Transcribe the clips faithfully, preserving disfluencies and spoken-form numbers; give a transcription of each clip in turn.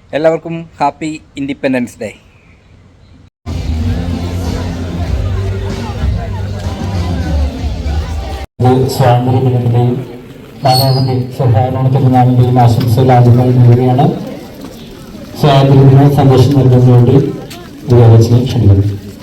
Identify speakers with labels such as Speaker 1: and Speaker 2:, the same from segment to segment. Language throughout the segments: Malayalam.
Speaker 1: എല്ലാവർക്കും ഹാപ്പി ഇൻഡിപെൻഡൻസ് ഡേ.
Speaker 2: സ്വാതന്ത്ര്യ ദിനത്തിൻ്റെയും മാതാവിൻ്റെ സഹകരണ പെരുന്നാളിൻ്റെയും ആശംസകൾ ആദ്യമായി നേടുകയാണ്. സ്വാതന്ത്ര്യദിന സന്ദേശം നൽകുന്നതിന് വേണ്ടി വിദ്യാലയത്തിനെ ക്ഷണിക്കുന്നു.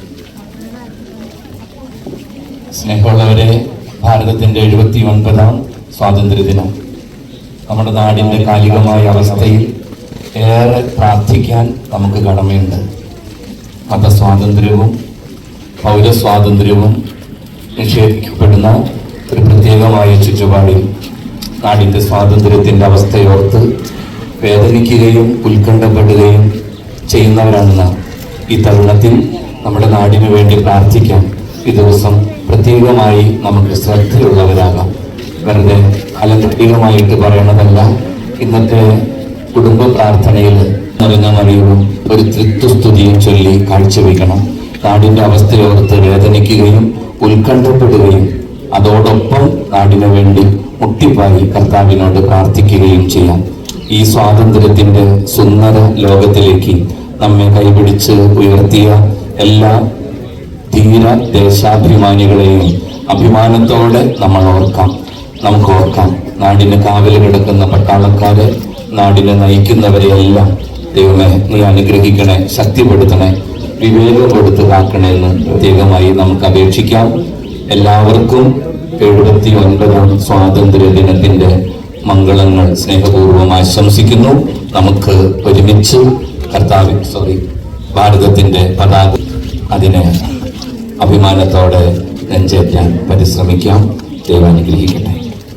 Speaker 3: സ്നേഹമുള്ളവരെ, ഭാരതത്തിൻ്റെ എഴുപത്തി ഒൻപതാം സ്വാതന്ത്ര്യദിനം നമ്മുടെ നാടിൻ്റെ കാലികമായ അവസ്ഥയിൽ ഏറെ പ്രാർത്ഥിക്കാൻ നമുക്ക് കടമയുണ്ട്. മതസ്വാതന്ത്ര്യവും പൗരസ്വാതന്ത്ര്യവും നിഷേധിക്കപ്പെടുന്ന ഒരു പ്രത്യേകമായ ചുറ്റുപാടിൽ നാടിൻ്റെ സ്വാതന്ത്ര്യത്തിൻ്റെ അവസ്ഥയോർത്ത് വേദനിക്കുകയും ഉത്കണ്ഠപ്പെടുകയും ചെയ്യുന്നവരാണ് നാം. ഈ തരുണത്തിൽ നമ്മുടെ നാടിനു വേണ്ടി പ്രാർത്ഥിക്കാൻ ഈ ദിവസം പ്രത്യേകമായി നമുക്ക് ശ്രദ്ധയുള്ളവരാകാം. വെറുതെ അലങ്കൃതികമായിട്ട് പറയണതല്ല. ഇന്നത്തെ കുടുംബ പ്രാർത്ഥനയിൽ നിറഞ്ഞ മറിയവും ഒരു തൃത്വസ്തുതിയും ചൊല്ലി കാഴ്ചവെക്കണം. നാടിൻ്റെ അവസ്ഥയോർത്ത് വേദനിക്കുകയും ഉത്കണ്ഠപ്പെടുകയും അതോടൊപ്പം നാടിനു വേണ്ടി മുട്ടിപ്പായി കർത്താവിനോട് പ്രാർത്ഥിക്കുകയും ചെയ്യാം. ഈ സ്വാതന്ത്ര്യത്തിൻ്റെ സുന്ദര ലോകത്തിലേക്ക് നമ്മെ കൈപിടിച്ച് ഉയർത്തിയ എല്ലാ ധീര ദേശാഭിമാനികളെയും അഭിമാനത്തോടെ നമ്മൾ ഓർക്കാം. നമുക്ക് ഓർക്കാം, നാടിന് കാവല് കിടക്കുന്ന പട്ടാളക്കാരെ, നാടിനെ നയിക്കുന്നവരെയെല്ലാം ദൈവമേ നീ അനുഗ്രഹിക്കണേ, ശക്തിപ്പെടുത്തണേ, വിവേകപ്പെടുത്തു കാക്കണേ എന്ന് പ്രത്യേകമായി നമുക്ക് അപേക്ഷിക്കാം. എല്ലാവർക്കും എഴുപത്തി ഒൻപതാം സ്വാതന്ത്ര്യ ദിനത്തിന്റെ മംഗളങ്ങൾ സ്നേഹപൂർവ്വം ആശംസിക്കുന്നു. നമുക്ക് ഒരുമിച്ച് കർത്താവ് സോറി ഭാരതത്തിന്റെ പതാക അതിനെ അഭിമാനത്തോടെ നെഞ്ചേറ്റാൻ പരിശ്രമിക്കാം. ദൈവം അനുഗ്രഹിക്കട്ടെ.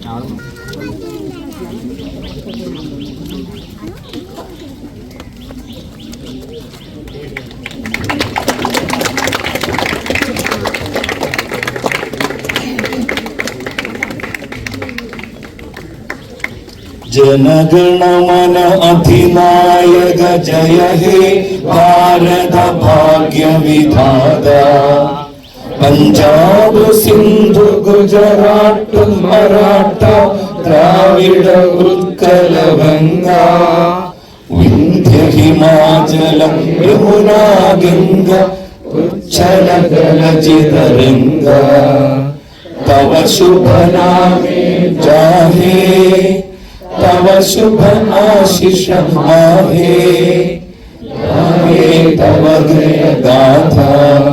Speaker 4: जनगणमन अधिनायक जय हे भारत भाग्य विधाता. पंजाब सिंधु गुजरात मराठा द्राविड उत्कल गंगा विंध्य हिमाचल यमुना गंगा उच्चल जलचितरंगा. तव शुभ नामे जाहे तव शुभ आशीष आहे. तव जय गाथा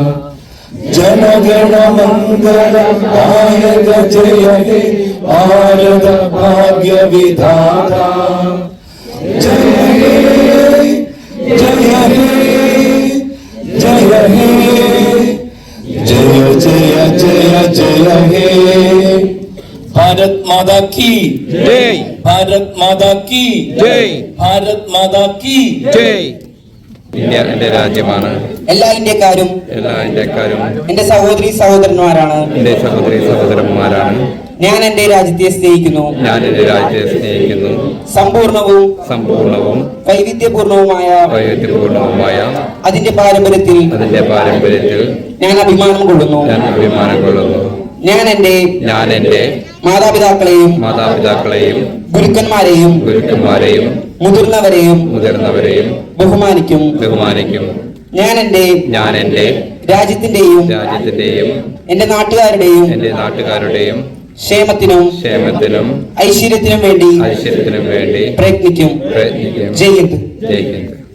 Speaker 4: जनगण मंगल दायक जय हे भारत भाग्य विधाता. जय हे जय हे जय हे जय जय जय जय हे. भारत माता की जय. भारत माता की जय. भारत माता की जय.
Speaker 5: ഇന്ത്യ എന്റെ രാജ്യമാണ്.
Speaker 6: എല്ലാ ഇന്ത്യക്കാരും
Speaker 5: എല്ലാ ഇന്ത്യക്കാരും
Speaker 6: എന്റെ സഹോദരി സഹോദരന്മാരാണ്.
Speaker 5: എന്റെ സഹോദരി സഹോദരന്മാരാണ്.
Speaker 6: ഞാൻ എന്റെ രാജ്യത്തെ സ്നേഹിക്കുന്നു.
Speaker 5: ഞാൻ എന്റെ രാജ്യത്തെ സ്നേഹിക്കുന്നു.
Speaker 6: സമ്പൂർണവും
Speaker 5: സമ്പൂർണവും
Speaker 6: വൈവിധ്യപൂർണവുമായ
Speaker 5: വൈവിധ്യപൂർണവുമായ
Speaker 6: അതിന്റെ പാരമ്പര്യത്തിൽ
Speaker 5: അതിന്റെ പാരമ്പര്യത്തിൽ
Speaker 6: ഞാൻ അഭിമാനം കൊള്ളുന്നു.
Speaker 5: ഞാൻ അഭിമാനം കൊള്ളുന്നു.
Speaker 6: ഞാൻ എന്റെ
Speaker 5: ഞാൻ എന്റെ
Speaker 6: മാതാപിതാക്കളെയും
Speaker 5: മാതാപിതാക്കളെയും
Speaker 6: ഗുരുക്കന്മാരെയും
Speaker 5: ഗുരുക്കന്മാരെയും
Speaker 6: മുതിർന്നവരെയും
Speaker 5: മുതിർന്നവരെയും
Speaker 6: ബഹുമാനിക്കും
Speaker 5: ബഹുമാനിക്കും.
Speaker 6: ഞാൻ എന്റെ
Speaker 5: ഞാൻ എന്റെ
Speaker 6: രാജ്യത്തിന്റെയും
Speaker 5: രാജ്യത്തിന്റെയും
Speaker 6: എന്റെ നാട്ടുകാരുടെയും
Speaker 5: എന്റെ നാട്ടുകാരുടെയും
Speaker 6: ക്ഷേമത്തിനും
Speaker 5: ക്ഷേമത്തിനും
Speaker 6: ഐശ്വര്യത്തിനും വേണ്ടി
Speaker 5: ഐശ്വര്യത്തിനും വേണ്ടി
Speaker 6: പ്രയത്നിക്കും.
Speaker 5: പ്രയത്നിക്കും.
Speaker 6: ജയ് ഹിന്ദ്.
Speaker 5: ജയ് ഹിന്ദ്.